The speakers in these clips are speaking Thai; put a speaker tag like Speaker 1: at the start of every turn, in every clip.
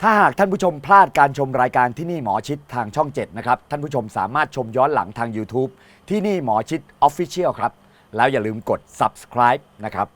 Speaker 1: ถ้าหากท่านผู้ชมพลาดการชมรายการที่นี่หมอชิดทางช่อง 7 นะครับท่านผู้ชมสามารถชมย้อนหลังทาง YouTube ที่นี่หมอชิด Official ครับแล้วอย่าลืมกด Subscribe นะครับ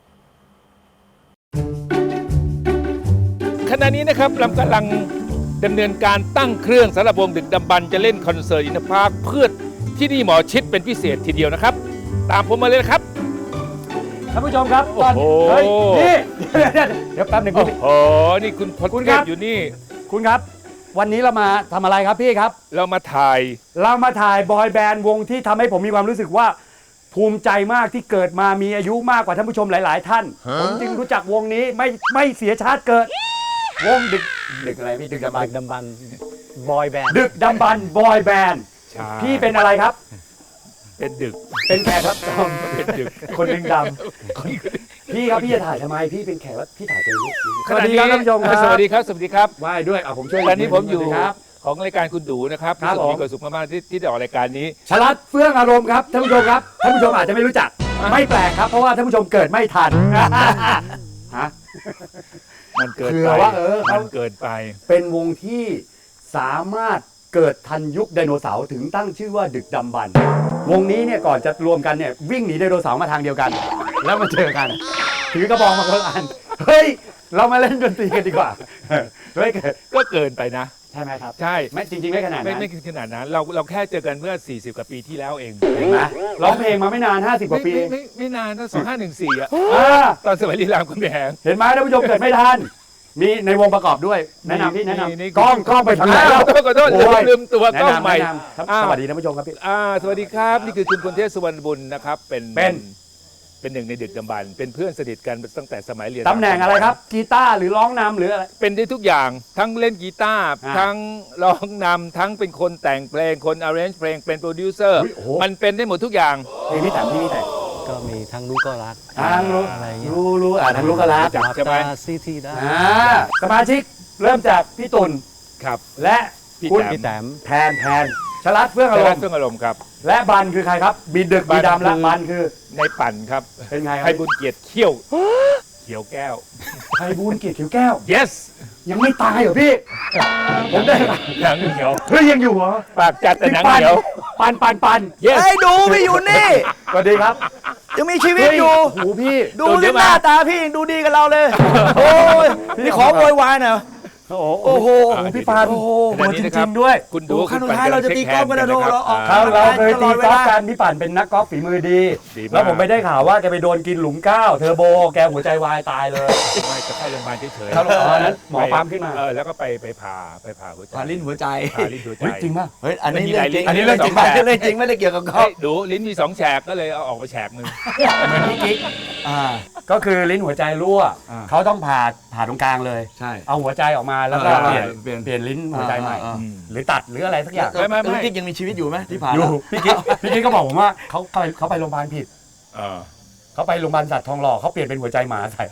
Speaker 2: ขณะนี้นะครับเรากำลังดำเนินการตั้งเครื่องสำหรับวงดึกดำบรรพ์จะเล่นคอนเสิร์ตอินทพาร์คเพื่อที่นี่หมอชิดเป็นพิเศษทีเดียวนะครับตามผมมาเลยนะครับ
Speaker 1: ท่านผู้ชมครับตอน
Speaker 2: โอ้โห
Speaker 1: เฮ้ยนี่เดี๋ยวแป๊บหนึ่ง
Speaker 2: โอ้โหนี่คุณพล
Speaker 1: คุณ
Speaker 2: เท
Speaker 1: ครั
Speaker 2: พ
Speaker 1: บ
Speaker 2: อยู่นี่
Speaker 1: คุณครับ วันนี้เรามาทำอะไรครับพี่ครับ
Speaker 2: เรามาถ่าย
Speaker 1: เรามาถ่ายบอยแบนด์วงที่ทำให้ผมมีความรู้สึกว่าภูมิใจมากที่เกิดมามีอายุมากกว่าท่านผู้ชมหลาย ๆ ท่าน ผมจึงรู้จักวงนี้ไม่เสียชาติเกิด วงดึกอะไรพี่ดึกดำบรรพ์
Speaker 3: ดำบันบอยแบนด์
Speaker 1: ดึกดำบรรพ์บอยแบนด์
Speaker 2: ใช่
Speaker 1: พี่เป็นอะไรครับ
Speaker 2: เป็นดึก
Speaker 1: เป็นแขกรับเชิญ
Speaker 2: เป็นดึก
Speaker 1: คนหนึ่งดำพี่ครับพี่จะถ่ายทำไมพี่เป็นแขกรับพี่ถ่ายตัวนี้ส
Speaker 2: ข
Speaker 1: วัส
Speaker 2: ณะ
Speaker 1: ดี
Speaker 2: นี้
Speaker 1: ครับท่านผู้ชมครับ
Speaker 2: สวัสดีครับสวัสดีครับ
Speaker 1: ไหว้ด้วยผมช่วย
Speaker 2: ตอนนี้ผมอยู่
Speaker 1: สวัสดีครับ
Speaker 2: ของรายการคุณดูนะครับ
Speaker 1: ครับ
Speaker 2: รู้สึก
Speaker 1: ผม
Speaker 2: มีความสุขมากๆที่ได้ออกรายการนี้
Speaker 1: ชลัดเฟื่องอารมณ์ครับท่านผู้ชมครับท่านผู้ชมอาจจะไม่รู้จัก ไม่แปลกครับเพราะว่าท่านผู้ชมเกิดไม่ทันฮะ
Speaker 2: มันเกิน
Speaker 1: เผื่
Speaker 2: ไป
Speaker 1: อว่าเขา
Speaker 2: มันเกินไป
Speaker 1: เป็นวงที่สามารถเกิดทันยุคไดโนเสาร์ถึงตั้งชื่อว่าดึกดำบรรพ์วงนี้เนี่ยก่อนจะรวมกันเนี่ยวิ่งหนีไดโนเสาร์มาทางเดียวกัน แล้วมาเจอกัน ถือกระบองมาคนละอันเฮ้ยเรามาเล่นดนตรีกันดีกว่าเฮ้ย
Speaker 2: ก็เกินไปนะ
Speaker 1: ใช่ไหมครับ
Speaker 2: ใช่
Speaker 1: ไม่จริงๆไม่ขนาดนั้น
Speaker 2: ไม่ขนาดนั้นเราแค่เจอกันเมื่อ40กว่าปีที่แล้วเอง
Speaker 1: เห็นไหมร้องเพลงมาไม่นาน50กว่าปี
Speaker 2: ไม่นานตั้ง2514อ่ะ
Speaker 1: อ่า
Speaker 2: ตอนสมัยลีลามคำแหง
Speaker 1: เห็นไหมท่านผู้ชมเกิดไม่ทันมีในวงประกอบด้วยแนะนำพี่แนะน
Speaker 2: นี่
Speaker 1: ำกล้องไปทางไหนแล้ว
Speaker 2: ขอโทษ
Speaker 1: โอ้ย
Speaker 2: ลืมตัวกล้อง
Speaker 1: แนะนำ
Speaker 2: ใหม่
Speaker 1: แนะนำสวัสดีท่านผู้ชมครับพี่
Speaker 2: สวัสดีครับนี่คือคุณพลเทพสุวรรณบุญนะครับเป็น
Speaker 1: เป็น
Speaker 2: หนึ่งในดึกดำบรรพ์เป็นเพื่อนสนิทกันตั้งแต่สมัยเรียน
Speaker 1: ตำแหน่งอะไรครับกีตาร์หรือร้องนำหรืออะไร
Speaker 2: เป็นได้ทุกอย่างทั้งเล่นกีตาร์
Speaker 1: อ่า
Speaker 2: ทั้งร้องนำทั้งเป็นคนแต่งเพลงคน arrange เพลงเป็นโปรดิวเซอร์
Speaker 1: อุ๊ยโอ้โห
Speaker 2: มันเป็นได้หมดทุกอย่าง
Speaker 1: เพลงพี่แต่งพี่แต่ง
Speaker 3: ก็มีทั้งรู้ก็รัก
Speaker 1: ทางรู้
Speaker 3: อะไรเงี้ย
Speaker 1: รู้ทางรู้ก็รัก
Speaker 2: จับใช่ไหม
Speaker 3: ตาซีทีได้
Speaker 1: สมาชิกเริ่มจากพี่ตุล
Speaker 2: ครับ
Speaker 1: และ
Speaker 2: พี่
Speaker 1: คุณ
Speaker 2: แต้ม
Speaker 3: พี่แต้ม
Speaker 1: แทนชลัดเฟื่องอา
Speaker 2: แต่
Speaker 1: ร
Speaker 2: ละ
Speaker 1: มณ์
Speaker 2: เครื่องอารมณ์ครับ
Speaker 1: และบันคือใครครับบีดึกบีดำและบันคือ
Speaker 2: ในปั่นครับ
Speaker 1: เป็นไงค
Speaker 2: ไพ
Speaker 1: รับ
Speaker 2: บุญเกียรติเขี้ยวเขียวแก้ว
Speaker 1: ไพบูลย์เกียรติเขียวแก้ว
Speaker 2: yes
Speaker 1: ยังไม่ตายเหรอพี่ผมได้
Speaker 2: หนังเหนียว
Speaker 1: เฮ้ยยังอยู่เหรอ
Speaker 2: ปากจัดแต่หนังเหนียว
Speaker 1: ปัน
Speaker 2: yes
Speaker 4: ไอ้ดูพี่อยู่นี่
Speaker 1: สวัสดีครับ
Speaker 4: ยังมีชีวิตอยู่
Speaker 1: โอ้โหพี่
Speaker 4: ดูที่หน้าตาพี่ยังดูดีกับเราเลย โอ้ยนี่ขอโวยวายหน่อย
Speaker 1: โอ้โห
Speaker 4: โอ้โห
Speaker 1: พี่ปาน
Speaker 4: โอ้โห
Speaker 1: ตัวจริงๆด้วย
Speaker 2: คุณดู
Speaker 4: โอ้ขั้นสุดท้ายเราจะตีกอล์ฟกันนะโดเราออก
Speaker 1: เราเคยตีกอล์ฟกันพี่ปั่นเป็นนักกอล์ฟฝีมือดี
Speaker 2: ดีมาก
Speaker 1: แล้วผมไปได้ข่าวว่าแกไปโดนกินหลุมก้าวเทอร์โบแกหัวใจวายตายเลย
Speaker 2: ไม่จะเข้าโรงพยาบาลเฉยๆ
Speaker 1: เข้าโรงพยาบาลนั้นหมอปั๊มขึ้นมา
Speaker 2: แล้วก็ไปผ่าหัวใจ
Speaker 4: ผ่าลิ้นหัวใจ
Speaker 2: ผ่าลิ้นหัวใจ
Speaker 1: เฮ้ยจริงป่ะ
Speaker 4: เฮ้ย อันนี้
Speaker 2: มันมี
Speaker 4: เรื่องจริง
Speaker 2: หลายลิ้น
Speaker 4: อันนี้เรื่องจริง
Speaker 2: สองแบบ
Speaker 4: เรื่องจริงไม่ได้เกี่ยวกับกอ
Speaker 2: เฮ้
Speaker 4: ล์
Speaker 2: ย
Speaker 4: ฟ
Speaker 2: ดูลิ้นมี2 แฉกก็เลยเอาออกไปแฉกหนึ่ง
Speaker 1: เหมือนพี่กิ๊ก
Speaker 4: อ่า
Speaker 1: ก็คือลิ้นหัวใจรั่ว
Speaker 4: อ่า
Speaker 1: เขาต้องผ่าตรงกลางเลย
Speaker 4: ใช่
Speaker 1: เอาหัวใจออกมาแล้วก็
Speaker 4: เออ
Speaker 1: เปลี่ยนลิ้นหัวใจใหม่
Speaker 4: อ่า
Speaker 1: หรือตัดหรืออะไรสักอย่าง
Speaker 2: ไม่
Speaker 4: แล้วกิ๊กยังมีชีวิตอยู่ไหมที่ผ่าน
Speaker 1: อยู่
Speaker 4: แล้ว
Speaker 1: พี่กิ๊กก็บอกผมว่าเขาไปโรงพยาบาลผิด
Speaker 2: เออ
Speaker 1: เขาไปโรงพยาบาลสัตว์ทองหล่อเขาเปลี่ยนเป็นหัวใจหมาใส่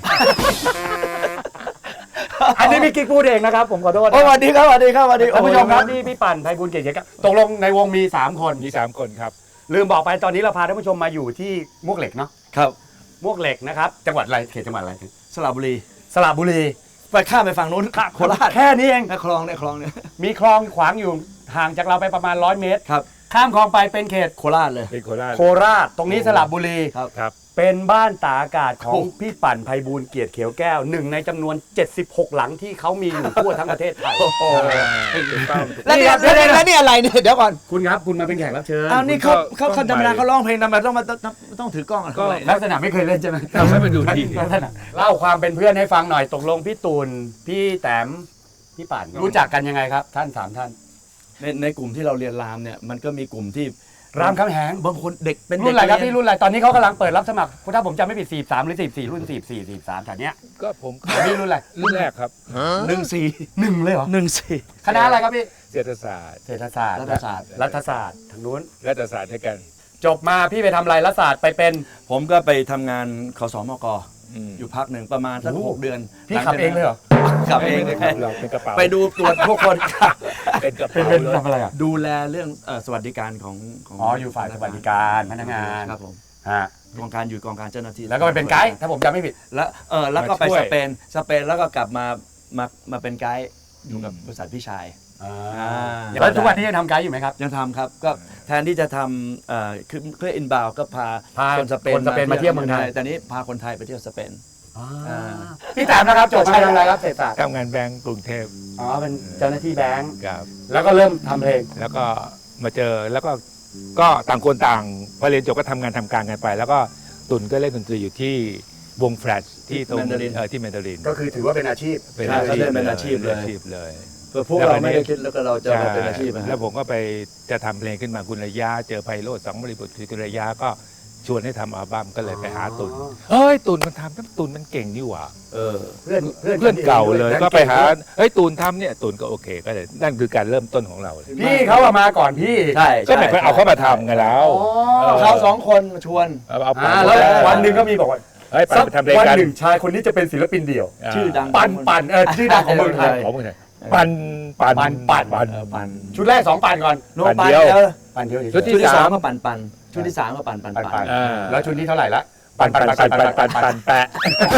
Speaker 1: อันนี้พี่กิ๊กพูดเองนะครับผมขอโทษ
Speaker 4: โอ้สวัสดีครับสวัสดีครับสวัสดี
Speaker 1: ท่านผู้ชมครับนี่พี่ปั่นไพบูลย์เกียรติเขียวแก้วตกลงในวงมี3 คน
Speaker 2: มี3 คนครับ
Speaker 1: ลืมบอกไปตอนนี้เราพาท่านผู้ชมมาอยู่ที่มวกเหล็กเนาะ
Speaker 4: ครับ
Speaker 1: มวกเหล็กนะครับจังหวัดอะไรเขตจังหวัดอะไร
Speaker 4: สระบุรี
Speaker 1: สระบุรี
Speaker 4: ไปข้ามไปฝั่งนู้นโคราช
Speaker 1: แค่นี้เอง
Speaker 4: ในคลองเนี่ย
Speaker 1: มีคลองขวางอยู่ห่างจากเราไปประมาณ100 เมตร
Speaker 4: ครับ
Speaker 1: ข้ามคลองไปเป็นเขต
Speaker 4: โคราชเลย
Speaker 2: เป็นโคราช
Speaker 1: โคราชตรงนี้สระบุรี
Speaker 4: ครับ
Speaker 2: ครับ
Speaker 1: เป็นบ้านตากอากาศของ
Speaker 4: โอ้
Speaker 1: พี่ปั่นไพบูลย์เกียรติเขียวแก้วหนึ่งในจำนวน 76 หลังที่เขามีอยู่ทั่วทั้งประเทศไทย
Speaker 4: โอ้โห
Speaker 2: ถูกต้อง
Speaker 4: แล้วเนี่ย
Speaker 1: เดี๋ยว
Speaker 4: แล้วนี่อะไรเนี่ยเดี๋ยวก่อน
Speaker 1: คุณครับคุณมาเป็นแขกรับเชิญ
Speaker 4: อ้าวนี่
Speaker 2: ก็
Speaker 4: เขาธรรมดาเขาร้องเพลงธรรมดาต้องถือกล้องอะไร
Speaker 2: ก็
Speaker 1: ลักษณะไม่เคยเล่นใช่ไหม
Speaker 2: ทำให้มันดูดี
Speaker 1: ลักษณะเล่าความเป็นเพื่อนให้ฟังหน่อยตกลงพี่ตูนพี่แต้มพี่ปั่นรู้จักกันยังไงครับ ท่าน3 ท่าน
Speaker 4: ในกลุ่มที่เราเรียนรามเนี่ยมันก็มีกลุ่มที่
Speaker 1: รามคำแหง
Speaker 4: บางคนเด็กเป็น
Speaker 1: รุ่นอะไรครับ
Speaker 4: เด็ก
Speaker 1: พี่รุ่นอะไรตอนนี้เขากำลังเปิดรับสมัครถ้าผมจำไม่ผิด43หรือ44รุ่น44 43แถวเนี้ย
Speaker 2: ก็ผม
Speaker 1: พี่รุ่นอะไร
Speaker 2: รุ่นแรกครับ
Speaker 1: 1เลยเหรอ
Speaker 4: 14
Speaker 1: คณะอะไรครับพี่
Speaker 2: เศรษฐศาสตร์
Speaker 1: เศรษฐศาสตร์
Speaker 4: รัฐศาสตร์
Speaker 1: รัฐศาสตร์ทางนู้น
Speaker 2: รัฐศาสตร์ด้วยกัน
Speaker 1: จบมาพี่ไปทำอะไรรัฐศาสตร์ไปเป็น
Speaker 4: ผมก็ไปทำงานขสมก
Speaker 2: อืม
Speaker 4: อยู่พักหนึ่งประมาณสัก
Speaker 1: โอ้โห
Speaker 4: 6 เดือน
Speaker 1: พี่ขับเองเลยเหรอ
Speaker 4: ขับเอง
Speaker 2: ไม่ได้ครับเราเป็นกระเป๋า
Speaker 4: ไปดูตรวจพวกคน
Speaker 2: เป็นกระ
Speaker 1: เป็น
Speaker 2: เป๋า
Speaker 1: เป็น
Speaker 2: เลย
Speaker 1: ทำอะไรอ่ะ
Speaker 4: ดูแลเรื่องสวัสดิการของ
Speaker 1: อ๋ออยู่ฝ่ายสวัสดิการพนักงาน
Speaker 4: ครับผม
Speaker 1: ฮะ
Speaker 4: กองการเจ้าหน้าที่
Speaker 1: แล้วก็ไปเป็นไกด์ถ้าผมจำไม่ผิด
Speaker 4: แล้วก็ไปสเปนแล้วก็กลับมาเป็นไกด์อยู่กับบริษัทพี่ชาย
Speaker 1: แล้วทุกวันนี้ยังทำไกด์อยู่ไหมครับ
Speaker 4: ยังทำครับก็แทนที่จะทำคือเพื่ออินบาวก็พา
Speaker 1: พา
Speaker 4: คนสเปน
Speaker 1: คนสเปนมาเที่ยวเมืองไทย
Speaker 4: แต่นี้พาคนไทยไปเที่ยวสเปน
Speaker 1: พี่แต้มนะครับจบมาทำอะไรครับเศรษฐศาสตร์
Speaker 2: ทำงานแบงก์กรุงเทพ
Speaker 1: อ๋อเป็นเจ้าหน้าที่แบงก์
Speaker 2: ครับ
Speaker 1: แล้วก็เริ่มทำเพลง
Speaker 2: แล้วก็มาเจอแล้วก็ต่างคนต่างพอเรียนจบก็ทำงานทำการกันไป แล้วก็ตุนก็เล่นดนตรีอยู่ที่วงแฟลชที่ตรง
Speaker 4: Mandarin
Speaker 2: ที่แมนดาริน
Speaker 1: ก็คือถือว่าเป็นอาชีพ
Speaker 4: ใช่เขาเล่นเป็นอาชีพเลย
Speaker 2: อาชีพเลย
Speaker 4: เพื่อพวกเราไม่ได้คิดแล้วก็เราจะมาเป็นอาชีพนะ
Speaker 2: แล้วผมก็ไปจะทำเพลงขึ้นมาคุณระยะเจอไพโรจน์สองบริบทคือคุณระยะก็ชวนให้ทำอัลบั้มก็เลยไปหาตุนเฮ้ยตุนมันทำตุนมันเก่งนี่หว่า
Speaker 1: เพื่อน
Speaker 2: เพื่อนเก่าเลยก็ไปหาเฮ้ยตูนทำเนี่ยตูนก็โอเคก็เลยนั่นคือการเริ่มต้นของเราเลย
Speaker 1: พี่เขาอะมาก่อนพี่
Speaker 4: ใช่
Speaker 2: ก็ไม่เคยเอาเข้ามาทำไงแล้ว
Speaker 4: เขาสองคนมาชวน
Speaker 2: เอาไป
Speaker 1: แล้ววันหนึ่งก็มีบอกว่า
Speaker 2: เฮ้ยไปทำเพลง
Speaker 1: วัน
Speaker 2: กัน
Speaker 1: หนึ่งชายคนนี้จะเป็นศิลปินเดี่ยว
Speaker 4: ชื่อดัง
Speaker 1: ปั่นชื่อดังของเมืองไทย
Speaker 2: ของเมืองไทยปั่น
Speaker 4: ปั่น
Speaker 1: ชุดแรก2ปั่นก่อน
Speaker 4: โนปั่นเดียว
Speaker 1: ปั่นเดียว
Speaker 2: ชุด
Speaker 4: ชุดที่สามก็ปั่นชุดที่สามก็ปั่น
Speaker 1: ปั่น
Speaker 2: แล้
Speaker 1: แล้ว วชุดนี้เท่าไหร่ละ
Speaker 2: ปั่นแปะ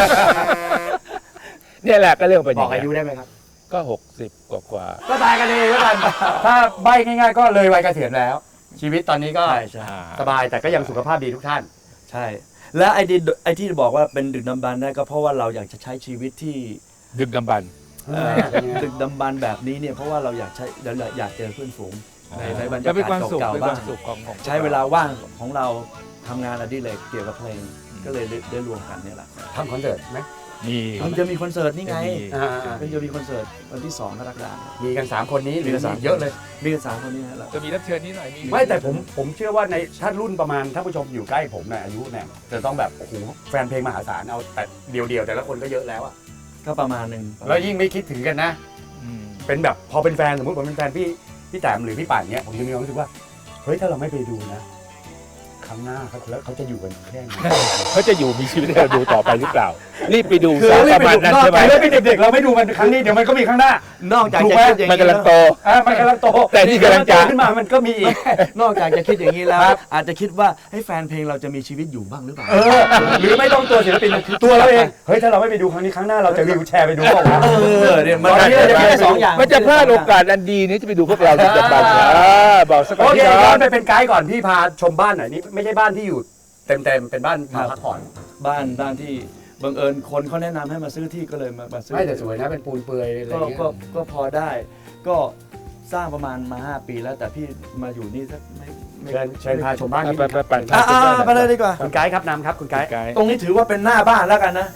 Speaker 2: เนี่ยแหละก็เรื่องเป็น
Speaker 1: บอกอายุได้ไหมครับ
Speaker 2: ก็60กว่า
Speaker 1: ก็ตายกันเองแล้วกันถ้าใบง่ายๆก็เลยวัยเกษียณแล้ว ชีวิตตอนนี้ก็
Speaker 4: ใช่
Speaker 1: สบายแต่ก็ยังสุขภาพดีทุกท่าน
Speaker 4: ใช่ แล้วไอ้ที่บอกว่าเป็นดึกดำบรรพ์ได้ก็เพราะว่าเราอยากจะใช้ชีวิตที่
Speaker 2: ดึกดำบรรพ์
Speaker 4: ดึกดำบรรพ์แบบนี้เนี่ยเพราะว่าเราอยากเจอเพื่อนฝูงในบรร
Speaker 2: ก็
Speaker 4: ยา
Speaker 2: เป็นค
Speaker 4: กาว
Speaker 2: าม
Speaker 4: ศ
Speaker 2: สุข
Speaker 4: เก่า
Speaker 2: เป็น
Speaker 4: ๆ
Speaker 2: ค
Speaker 4: บ้าว
Speaker 2: าง มสุขของ
Speaker 4: ใช้เวลาว่างของเราทำงานอดิเรกเกี่ยวกับเพลงก็เลยได้รวมกันเนี่ยแหละ
Speaker 1: ทำคอนเสิร์ตไหม
Speaker 2: มี
Speaker 4: มันจะมีคอนเสิร์ตนี่ไง
Speaker 1: อ่า
Speaker 4: มันจะมีคอนเสิร์ตวันที่2กรกฎาคม
Speaker 1: มีกัน3คนนี้หรือ
Speaker 4: มีกันสาม
Speaker 1: เยอะเลย
Speaker 4: มีกัน3คนนี้นะ
Speaker 2: จะมีรับเชิญนิดหน่อยมี
Speaker 1: ไม่แต่ผมเชื่อว่าในท่านรุ่นประมาณท่านผู้ชมอยู่ใกล้ผมในอายุเนี่ยจะต้องแบบโอ้โหแฟนเพลงมหาศาลเอาแต่เดียวๆแต่ละคนก็เยอะแล้วอะ
Speaker 4: ก็ประมาณหนึ่ง
Speaker 1: แล้วยิ่งไม่คิดถึงกันนะ เป็นแบบพอเป็นแฟนสมมติผมเป็นแฟนพี่แต้มหรือพี่ป่านเนี้ยผมจะมีความรู้สึกว่าเฮ้ยถ้าเราไม่ไปดูนะครั้งหน้าเขาจะอยู่กันแค่ไหน
Speaker 2: เขาจะอยู่มีชีวิตให้เราดูต่อไปหรือเปล่า รีบไปดู
Speaker 1: คือ
Speaker 2: ซะ
Speaker 1: รี
Speaker 2: ป
Speaker 1: บ
Speaker 2: ระ
Speaker 1: ไป
Speaker 2: มาณ
Speaker 1: ดู
Speaker 2: นั้นใช่ไหม
Speaker 1: ไปเลยเป็นเด็กๆเราไม่ดูมันครั้งนี้เดี๋ยวมันก็มีครั้งหน้าน
Speaker 4: อกจาก
Speaker 1: ถูก
Speaker 4: จะ
Speaker 1: ไหม
Speaker 4: คิดอย่าง
Speaker 2: มัน
Speaker 4: นี้
Speaker 2: กำลังโต
Speaker 1: มันกำลังโต
Speaker 2: แต่นี่กำลังจะ
Speaker 1: โตขึ้นมามันก็มีอีก
Speaker 4: นอกจากจะคิดอย่างนี้แล้ว
Speaker 1: ครับ
Speaker 4: อาจจะคิดว่าให้แฟนเพลงเราจะมีชีวิตอยู่บ้างหรือเปล่า
Speaker 1: หรือไม่ต้องตัวศิลปินคือตัวเราเองเฮ้ยถ้าเราไม่ไปดูครั้งนี้ครั้งหน้าเราจะวีลแชร์ไปดูเปล่าวะ
Speaker 4: เนี่ยมัน
Speaker 1: ตอนนี้เราจะมี
Speaker 4: ได้สองอย่าง
Speaker 2: มันจะพลาดโอกาสอันดีนี้จะไปดูพวกเราดึกดำบรรพ์บอกสัก
Speaker 1: โอ
Speaker 2: ก่อน
Speaker 1: เค
Speaker 2: ที่
Speaker 1: ย้
Speaker 2: ร้
Speaker 1: อ
Speaker 2: อน น
Speaker 1: ไปเป็นไกด์ก่อนพี่พาชมบ้านหน่อยนี่ไม่ใช่บ้านที่อยู่เต็มเป็นบ้านมาพักผ่อน
Speaker 4: บ้านที่บังเอิญคนเขาแนะนำให้มาซื้อที่ก็เลยมาซื้อ
Speaker 1: ไม่แต่สวยนะเป็นปูนเปลือยอะไรอย่างเงี้ย
Speaker 4: ก็พอได้ ก็สร้างประมาณมา5 ปีแล้วแต่พี่มาอยู่นี่สักไม่
Speaker 1: เชิญพาชมบ้านนิด
Speaker 2: ไป
Speaker 1: นึง
Speaker 2: ไป
Speaker 4: ไปเลยดีกว่า
Speaker 1: คุณไกด์ครับนำครับคุณไกด์
Speaker 2: ไกด์
Speaker 4: ตรงนี้ถือว่าเป็นหน้าบ้านแล้วกันนะ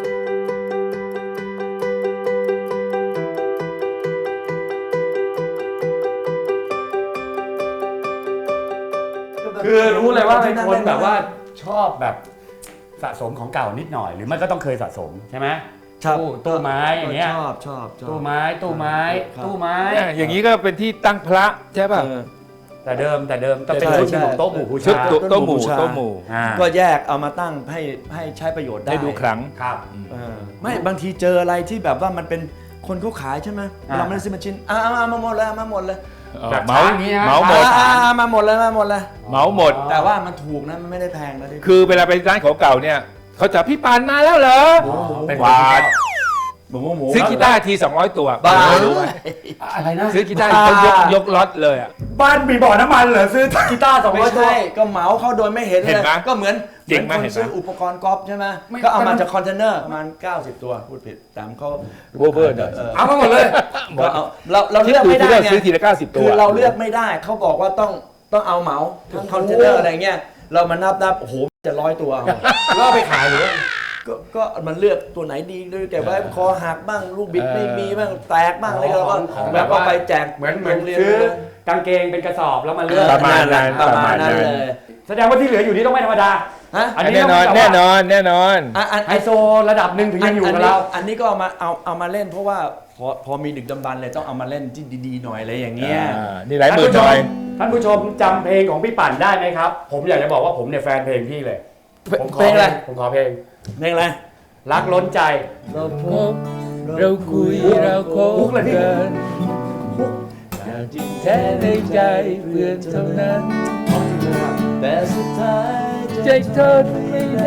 Speaker 1: คือรู้เลยว่าเป็นคนแบบว่าชอบแบบสะสมของเก่านิดหน่อย หรือไม่ก็ต้องเคยสะสมใช่ไหม
Speaker 4: ครับ
Speaker 1: ตู้ไม้อย่างเงี้ย
Speaker 4: ชอบ
Speaker 1: ตู้ไม้
Speaker 4: ครับ
Speaker 1: ตู้ไม้
Speaker 2: อย่างนี้ก็เป็นที่ตั้งพระใช่ป่ะ
Speaker 1: แต่เดิมต้องเป็น
Speaker 4: ใช่
Speaker 1: ชุด
Speaker 4: ใช่
Speaker 1: ของโต๊ะหมู่บู
Speaker 2: ชุด
Speaker 1: ชา
Speaker 2: โต๊ะหมู่โต๊ะหมู่
Speaker 4: ก็แยกเอามาตั้งให้ใช้ประโยชน์ได้
Speaker 2: ให้ดูครั้ง
Speaker 1: ครับ
Speaker 4: ไม่บางทีเจออะไรที่แบบว่ามันเป็นคนเขาขายใช่ไหม
Speaker 1: อ่า
Speaker 4: เราไม่ได้ซื้อมาชิ้นมาหมดเลยมาหมดเลย
Speaker 1: แบบ
Speaker 2: เหมา
Speaker 1: ช้างนี้นะ
Speaker 2: เหมาหมด
Speaker 4: มาหมดเลยมาหมดเลย
Speaker 2: เหมาหมด
Speaker 4: แต่ว่ามันถูกนะมันไม่ได้แพงนะที่
Speaker 2: คือเวลาไปร้านของเก่าเนี่ยเขาจะพี่ปานมาแล้วเหรอ
Speaker 1: เป็น
Speaker 2: หวาน
Speaker 4: หมู
Speaker 2: ซื้อกีตาร์ที200 ตัว
Speaker 4: บ้า
Speaker 2: รู้ไหม
Speaker 1: อะไรนะ
Speaker 2: ซื้อกีตาร์เขายกล็อตเลยอ่ะ
Speaker 1: บ้านมีบ่อน้ำมันเหรอซื้อกีตาร์200
Speaker 4: ไม่
Speaker 1: ตัว
Speaker 4: ใช่ก็เหมาเขาโดยไม่เห็นเล
Speaker 2: เห็น
Speaker 4: ย
Speaker 2: ไหม
Speaker 4: ก็เหมือน
Speaker 2: เจ๋งไหม
Speaker 4: คน
Speaker 2: เห็นไหม
Speaker 4: ซื้ออุปกรณ์กอล์ฟใช่ไหม
Speaker 1: ไม่
Speaker 4: ก็เอามาจากคอนเทนเนอร์ประมาณ90 ตัวพูดผิดแต่เขา
Speaker 2: เวอร์ๆหน่อย
Speaker 1: เอามาหมดเลย
Speaker 4: ก็เอาเราเลือกไม่ได้
Speaker 2: ที่
Speaker 4: ไง
Speaker 2: ซื้อทีละ90 ตัว
Speaker 4: คือเราเลือกไม่ได้เขาบอกว่าต้องเอาเหมาทั้งคอนเทนเนอร์อะไรเงี้ยเรามานับโอ้โหจะ100 ตัวเอา
Speaker 1: แล้วเอาไปขายหรือว่า
Speaker 4: ก็มันเลือกตัวไหนดีด้วยแกไว้คอหักบ้างลูกบิดไม่มีบ้างแตกบ้างอะไรก็เราก็
Speaker 1: ของแบ
Speaker 4: แล้ว
Speaker 1: บ
Speaker 4: ก็
Speaker 1: ว่า
Speaker 4: ไปแจก
Speaker 1: เหมือน
Speaker 4: โรงเรียน
Speaker 1: ซื้อกางเกงเป็นกระสอบแล้วมาเลือก
Speaker 2: ประมาณนั้น
Speaker 4: ประมาณนั้นเลย
Speaker 1: แสดงว่าที่เหลืออยู่นี่ต้องไม่ธรรมดา
Speaker 4: ฮะ
Speaker 1: อันนี้
Speaker 2: แน่นอน
Speaker 1: ต้อง
Speaker 2: แน่นอนแน่นอน
Speaker 1: ไฮโซระดับหนึ่งถึงยังอยู่กับเรา
Speaker 4: อันนี้ก็เอามาเล่นเพราะว่าพอมีดึกดำบรรพ์เลยต้องเอามาเล่นที่ดีๆหน่อยอะไรอย่างเงี้ย
Speaker 2: นี่หลายหมื่นหน่อย
Speaker 1: ท่านผู้ชมจำเพลงของพี่ปั่นได้ไหมครับ ผมอยากจะบอกว่าผมเนี่ยแฟนเพลงพี่เลยผมขอ
Speaker 4: เพลงอะไร
Speaker 1: ผมขอเพลง
Speaker 4: เพลงอะไร
Speaker 1: รักล้นใจ
Speaker 4: เราพบ
Speaker 2: เราคุยเราคบ
Speaker 1: มุกเลยพี่
Speaker 2: กันอย่างจริงแท้ในใจเพื่อนเท่านั้น
Speaker 4: แต่สุดท้าย
Speaker 2: ใจทนไม่ได้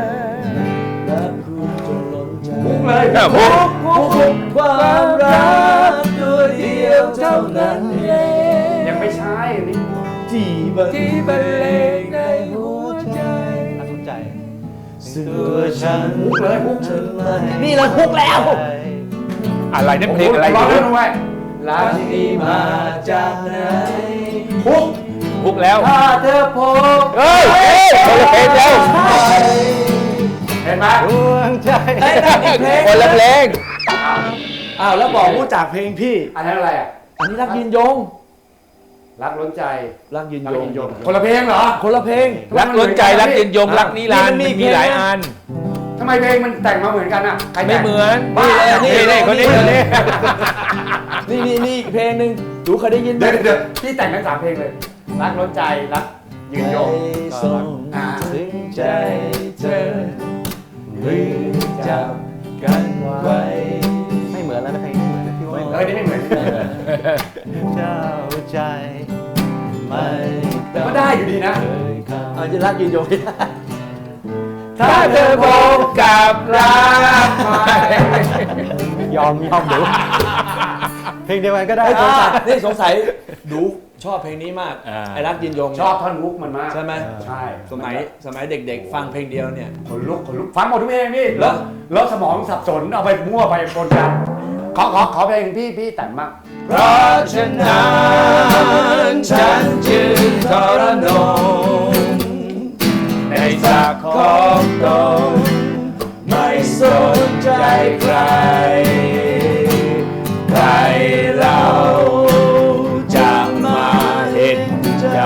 Speaker 4: รักคุณจนล้นใจ
Speaker 1: มุกเลย
Speaker 2: อ้าวมุก
Speaker 4: ความรักที่บรรเลงในหัวใจ
Speaker 3: รักหัวใจ
Speaker 4: ตัวฉันเลยฮุกนี่เราฮุกแล้ว
Speaker 2: อะไรนั่นเพลงอะไร
Speaker 1: ร้องได้ไหม
Speaker 4: รักนี้มาจากไหน
Speaker 2: พุกแล้ว
Speaker 4: ถ้าเธอพบ
Speaker 2: เฮ้ยคนละเพลงแล้ว
Speaker 1: เห็นไหม
Speaker 3: ดวงใจ
Speaker 4: ได้นั่นอีกเพลง
Speaker 2: คนละเพลง
Speaker 4: อ้าวแล้วบอกรู้จักเพลงพี่
Speaker 1: อันนั้นอะไรอ่ะ
Speaker 4: อันนี้รักยืนยง
Speaker 1: รักล้นใจ
Speaker 4: รักยืน
Speaker 1: รัก
Speaker 4: ย
Speaker 1: ยิ
Speaker 4: ง
Speaker 1: นยงคนละเพลงเหรอ
Speaker 4: คนละเพลง
Speaker 2: รักล้นใจรักเย็นยงรักนิรันดร์
Speaker 4: นี่
Speaker 2: มัน
Speaker 4: มันมี
Speaker 2: มีหลาย
Speaker 4: เพลงนะ
Speaker 2: อัน
Speaker 1: ทำไมเพลงมันแต่งมาเหมือนกันอ่ะใครแต่ง
Speaker 2: ไม่เหมือน
Speaker 1: บ้า
Speaker 2: นี่คนนี้
Speaker 4: นี่อีกเพลงหนึ่งดูเคยได้ยินไหม
Speaker 1: เดี๋ยวพี่แต่งทั้ง3เพลงเลย รักล้นใจรักยืนยง
Speaker 4: ส่งถึงใจเธอมือจับกันไว้
Speaker 3: ไม่เหมือนแล้วนะเพลงนี้เหมือนนะพี่ว่าไม่เหมือน
Speaker 1: นี่ไม่เหมือน
Speaker 3: เจ้าใจไม่
Speaker 1: ก็ได้อยู่ดีนะ
Speaker 3: เคยเข้า
Speaker 4: เอาจะรักยืนยง
Speaker 2: ถ้าเธอพบกับรักใหม่
Speaker 3: ยอมดูเพลงเดียวกันก็ได้
Speaker 4: นี่สงสัยดูชอบเพลงนี้มาก ไอ้รักยืนยง
Speaker 1: ชอบท่อนฮุกมันมาก
Speaker 4: ใช่ไหม
Speaker 1: ใช่
Speaker 4: สมัยเด็กๆ ฟังเพลงเดียวเนี่ย
Speaker 1: ขนลุกฟังหมดทุกเพลงพี่
Speaker 4: เหรอ
Speaker 1: แล้วสมองสับสนเอาไปมั่วไปปนกันขอเพลงพี่แต่งมาก
Speaker 4: เพราะฉะนั้นฉันจึงทรนงในศักดิ์ของตนไม่สนใจใคร ใครเราจะมาเห็นใจ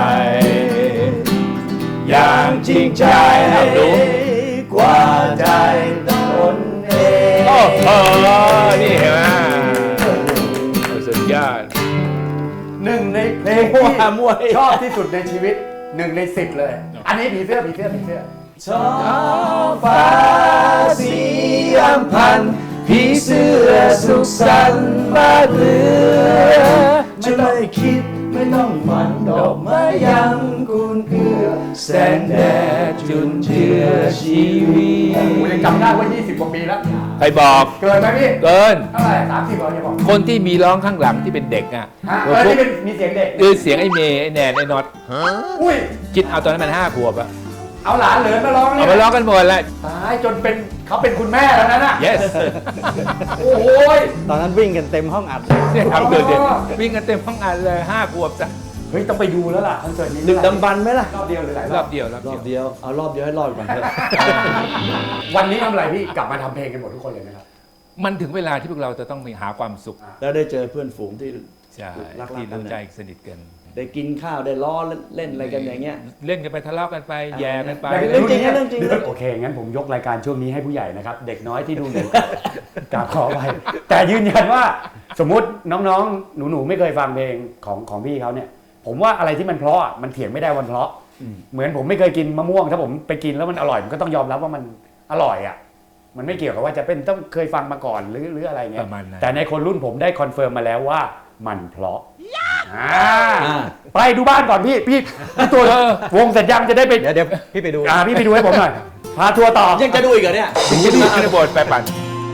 Speaker 4: อย่างจริงใจกว่าใจตนเอง
Speaker 2: โอ้โหนี่เห็นไหมสุดยอด
Speaker 1: หนึ่งในเพลง
Speaker 4: มั่ว
Speaker 1: ที่
Speaker 4: มั่ว
Speaker 1: ชอบที่สุดในชีวิต1 ใน 10เลย อันนี้ผีเสื้อ
Speaker 4: ท้องฟ้าสีอัมพันธ์ผีเสื้อสุขสันต์บ้านเรือนจะไม่คิดไม่ต้องหมันดอกไม้ยังกุนเกลือแสงแดดจุนเจือชีวิต
Speaker 1: ผมยังจำได้ว่า20 กว่าปีแล้ว
Speaker 2: ใครบอก
Speaker 1: เกินไหมพี่
Speaker 2: เกิน
Speaker 1: เท่าไหร่30เราจะบอก
Speaker 2: คนที่มีร้องข้างหลังที่เป็นเด็กอ่ะ
Speaker 1: ฮะ
Speaker 2: พวก
Speaker 1: ที่เป็นมีเสียงเด็ก
Speaker 2: คือเสียงไอ้เมย์ไอ้แนนไอ้น็อต
Speaker 1: อุ้ย
Speaker 2: คิดเอาตอนนั้นมัน5 ขวบอะ
Speaker 1: เอาหลานเหลินมาร้อง
Speaker 2: เอา
Speaker 1: เนี่ย
Speaker 2: มาร้องกันหมดแล้ว
Speaker 1: ตายจนเป็นเขาเป็นคุณแม่แล้วนะน่ะ
Speaker 2: yes
Speaker 1: โอ้โหย
Speaker 3: ตอนนั้นวิ่งกันเต็มห้องอัดเลย
Speaker 2: เนี่ยทำเกิดเด็กวิ่งกันเต็มห้องอันเลย5 ขวบจ้ะ
Speaker 1: เฮ้ยต้องไปดูแล้วล่ะคอนเสิร์ตนี้
Speaker 4: ดึกดำบรรพ์ไหมล่ะ
Speaker 1: รอบเดียวหรือหลาย
Speaker 2: ร
Speaker 1: ร
Speaker 2: อ
Speaker 1: อ
Speaker 2: บบ เดียวรอบ
Speaker 4: รอบ
Speaker 2: เดียว
Speaker 4: เดียวเอารอบเดียวให้รอดก่อนเถอะ
Speaker 1: วันนี้ทำอะไรพี่กลับมาทำเพลงกันหมดทุกคนเลยไหมครับ
Speaker 2: มันถึงเวลาที่พวกเราจะต้องมีหาความสุข
Speaker 4: แล้วได้เจอเพื่อนฝูงที่
Speaker 2: ใช่
Speaker 4: รักๆ
Speaker 2: ที่
Speaker 4: กัน
Speaker 2: รู้
Speaker 4: เนี่ย
Speaker 2: ใจสนิทกัน
Speaker 4: ได้กินข้าวได้ล้อเล่นอะไรกันอย่างเงี้ย
Speaker 2: เล่นกันไปทะเลาะกันไปแย่กันไป
Speaker 4: เรื่องจริงนะเรื่องจริง
Speaker 1: โอเค งั้นผมยกรายการช่วงนี้ให้ผู้ใหญ่นะครับ เด็กน้อยที่ดูอยู่ กราบขอไปแต่ยืนยันว่าสมมุติน้องๆ หนูๆ ไม่เคยฟังเพลงของพี่เขาเนี่ย ผมว่าอะไรที่มันเพราะอ่ะมันเถียงไม่ได้วันเพราะ เหมือนผมไม่เคยกินมะม่วง ถ้าผมไปกินแล้วมันอร่อยผมก็ต้องยอมรับว่ามันอร่อยอ่ะ มันไม่เกี่ยวกับว่าจะเป็นต้องเคยฟังมาก่อนหรืออะไรเงี้
Speaker 2: ป
Speaker 1: ย
Speaker 2: ระมาณนั้น
Speaker 1: แต่ในคนรุ่นผมได้คอนเฟิร์มมาแล้วว่ามันเพราะอ่า
Speaker 4: อ่า
Speaker 1: ไปดูบ้านก่อนพี่ตัววงเสร็จยังจะได้ไป
Speaker 3: เดี๋ยวพี่ไปดู
Speaker 1: พี่ไปดูให้ผมหน่อย พาทัวร์ต่อ
Speaker 4: ยังจะดูอีกเหรอเนี่ย
Speaker 2: ถึงจะดูขึ้นบทไปปั่น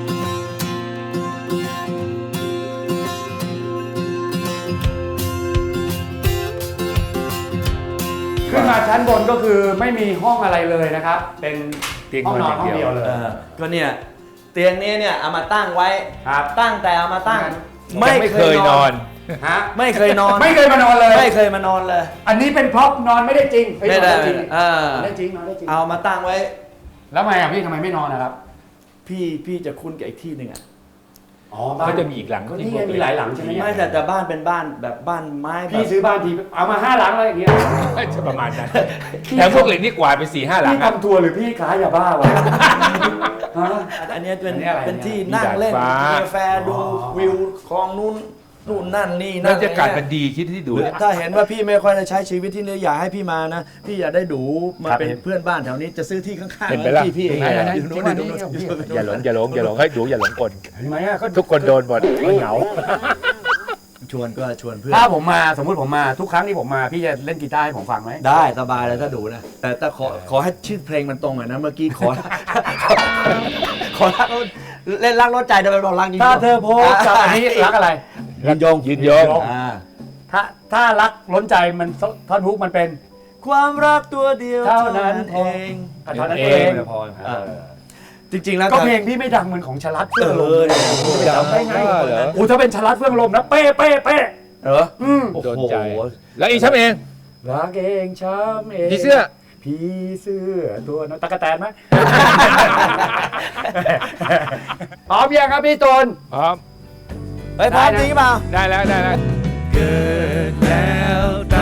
Speaker 1: ขึ้นมาชั้นบนก็คือไม่มีห้องอะไรเลยนะครับ เป็น
Speaker 2: เตียง
Speaker 1: ห้องนอน
Speaker 2: นอน
Speaker 1: ห้องเดียวเลย
Speaker 4: ก็เนี่ยเตียงนี้เนี่ยเอามาตั้งไว้
Speaker 1: ครับ
Speaker 4: ตั้งแต่เอามาตั้ง
Speaker 2: ไม่เคยนอน
Speaker 1: ฮะ
Speaker 4: ไม่เคยนอน
Speaker 1: ไม่เคยมานอนเลย
Speaker 4: ไม่เคยมานอนเลย
Speaker 1: อันนี้เป็นพร็อพนอนไม่ได้จริงเอ้ย
Speaker 4: ไม่ได้
Speaker 1: นอนจริง
Speaker 4: อ่า
Speaker 1: นอนได้จริงนอนได้จริง
Speaker 4: เอามาตั้งไว้
Speaker 1: แล้วทำไมอ่ะพี่ทำไมไม่นอนนะครับ
Speaker 4: พี่จะคุ้นกับอีกที่หนึ่งอ่ะ
Speaker 1: อ๋อ
Speaker 2: ก็จะมีอีกหลัง
Speaker 1: ก็นี่ไงมีหลายหลังใช่ไหม
Speaker 4: ไม่แต่บ้านเป็นบ้านแบบบ้านไม้แบบ
Speaker 1: พี่ซื้อบ้านทีเอามา5 หลังเลยอย่างเงี้ย
Speaker 2: จะประมาณนั้นแต่พวกเหล็กนี่กว่าดไป4-5 หลัง
Speaker 1: พี่
Speaker 2: อะ
Speaker 1: ทำทัวร์หรือพี่ขายยาบ้าวะฮะ
Speaker 4: อันนี้เป็น
Speaker 1: อันนี้อะไร
Speaker 4: เป็นที่
Speaker 2: มี
Speaker 4: นั่งเล่น
Speaker 2: ดาดฟ้า
Speaker 4: กินกาแฟดู
Speaker 1: อ๋อ
Speaker 4: วิวคลองนู่นนั่นนี่
Speaker 2: บรรยากาศมันดีคิดที่ดูเนี่ย
Speaker 4: ถ้าเห็นว่าพี่ไม่ค่อยได้ใช้ชีวิตที่นี่อยากให้พี่มานะ พี่อยากได้ดูมา
Speaker 2: ครับ
Speaker 4: เป็นเพื่อนบ้านแถวนี้จะซื้อที่ข้างๆ
Speaker 2: เป็นไปละ
Speaker 4: พี่
Speaker 2: ไหนๆๆ
Speaker 4: อยู่นู้นอยู่นู้น
Speaker 2: อย่าหลงให้ดูอย่าหลงกล
Speaker 1: เห็นไหมอ่ะก็
Speaker 2: ทุกคนโดนหมดเหงา
Speaker 4: ชวนก็ชวนเพื่อน
Speaker 1: ถ้าผมมาสมมติผมมาทุกครั้งที่ผมมาพี่จะเล่นกีตาร์ให้ผมฟังไหม
Speaker 4: ได้สบายเลยถ้าดูนะ แต่ขอให้ชื่อเพลงมันตรงหน่อยนะ เมื่อกี้ขอ ขอรักเล่นรักรถใจเดี๋ยวไปบอกรักยิง
Speaker 1: ถ้าเธอโพสกับอันนี้รักอะไร
Speaker 2: ยืนยง
Speaker 1: ยืนยง
Speaker 4: อ่า
Speaker 1: ถ้ถ้ารักล้นใจมันท่อนฮุกมันเป็น
Speaker 4: ความรักตัวเดียว
Speaker 1: เท่านั้นเอง เท่านั้นเอง
Speaker 3: พอ
Speaker 4: จริงๆแล้ว
Speaker 1: ก็เพลงพี่ไม่ดังเหมือนของชลัดเฟื่องลมเลย
Speaker 2: ดังได้เหรอ
Speaker 1: โอ้ถ้าเป็นชลัดเฟื่องลมนะเป๊ะเป๊ะเป๊ะ
Speaker 4: เหรอ
Speaker 2: โดนใจ แล้วอีช้ำเอง
Speaker 1: รักเองช้ำเอง
Speaker 2: ผีเสื้อ
Speaker 1: ผีเสื้อตัวน้อยตะกะแตนไหม พร้อมยังครับพี่ตูน
Speaker 2: พร้อม
Speaker 4: เฮ้ยพร้อมจริงเปล่า
Speaker 2: ได้แล้ว
Speaker 4: เกิดแล้ว